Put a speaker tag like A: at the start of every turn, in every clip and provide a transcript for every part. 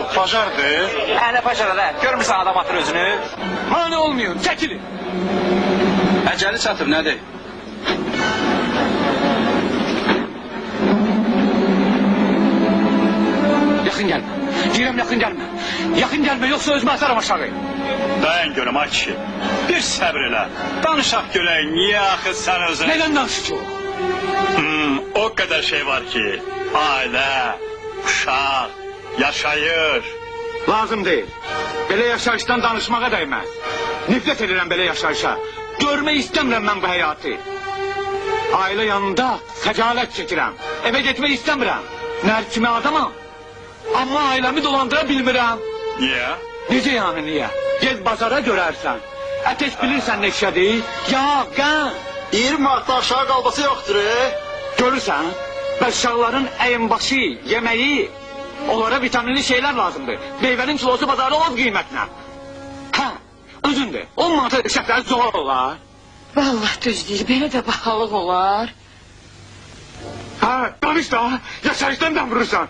A: Bacardı.
B: Ne paşalar ha? Görmüşsün adam atır özünü.
C: Mane olmuyor, çekilin.
A: Əcəli çatır, nədir?
C: Yakın gelme. Direm yakın gelme. Yakın gelme yoksa özümü atarım aşağı.
A: Dayan görüm ay kişi. Bir səbr elə. Danışaq görək, niyə axı sən özün...
C: Neden danışacağım?
A: O qədər şey var ki, ailə, uşaq, yaşayır.
C: Lazım değil. Böyle yaşayıştan danışmağa değmez. Nefret ederim böyle yaşayışa. Görme istemiyorum ben bu hayatı. Aile yanında secalet çekirəm. Eve gitmeyi istemiyorum. Nerçime adamım. Ama ailemi dolandırabilmirəm.
A: Niyə?
C: Necə yani niye? Gez bazara görərsən. Ateş bilirsən neşədir? Ya, qən.
D: 20 manatda aşağı qalbası yoxdur.
C: Görürsən, uşaqların əyinbaşı, yeməyi, onlara vitaminli şeyler lazımdır. Meyvenin kilosu bazarda az qiymətlə. Hə, özündür. 10 manata şəkər zor olar.
E: Vallahi düz değil, belə də bahalıq olar.
C: Ha, danış da, yaşayıştan da vurursan.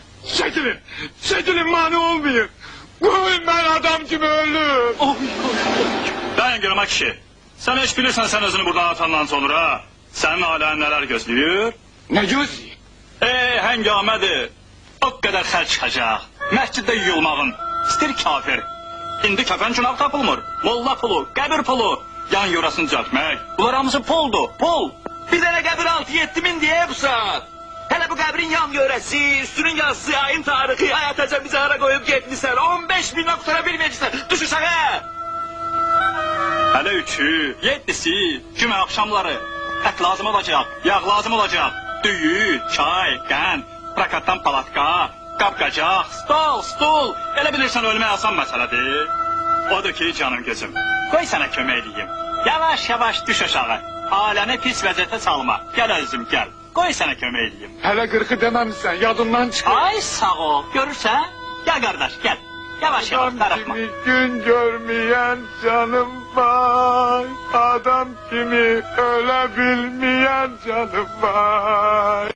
C: Çekilin mani olmayın. Koyun ben adam gibi ölürüm.
A: Dayan görüm ay kişi. Sən heç bilirsən sən özünü buradan atandan sonra sənin ailən nələr gözləyir?
C: Ne gözlüyor?
A: Həngamədir. O qədər xərc çıxacaq. Məsciddə yuyulmağın. İstir kafir. İndi kəfən günah tapılmır. Molla pulu, qəbir pulu. Yan yurasını düzəltmək. Bunlar hamısı puldur, pul.
B: Bir tane qəbir 6-7 min diye bu saat. Hele bu qəbrin yan yörəsi, üstünün yazısı, ayın tarihi, ayataca bizi ara koyup gitmişler. 15 bin noktada bilmeyecekler. Düş uşağa.
A: Hələ 3-ü, 7-si, cümə axşamları. Ət lazım olacaq, yağ lazım olacaq. Düyü, çay, qən, prakatdan palatka, qapqacaq, stol. Elə bilirsən ölmək asan məsələdir. Odur ki canım gözüm, qoy sənə kömək edeyim. Yavaş düş aşağı. Aləni pis vəziyyətə salma. Gəl özüm gəl. Qoy sənə kömək edeyim.
C: Hele 40'ı dememişsen yadından çıkar.
A: Ay sağ ol. Görürsən? Gəl qardaş gəl. Yavaş darıxma.
C: Gün görmeyen canım var. Adam kimi ölebilmeyen canım var.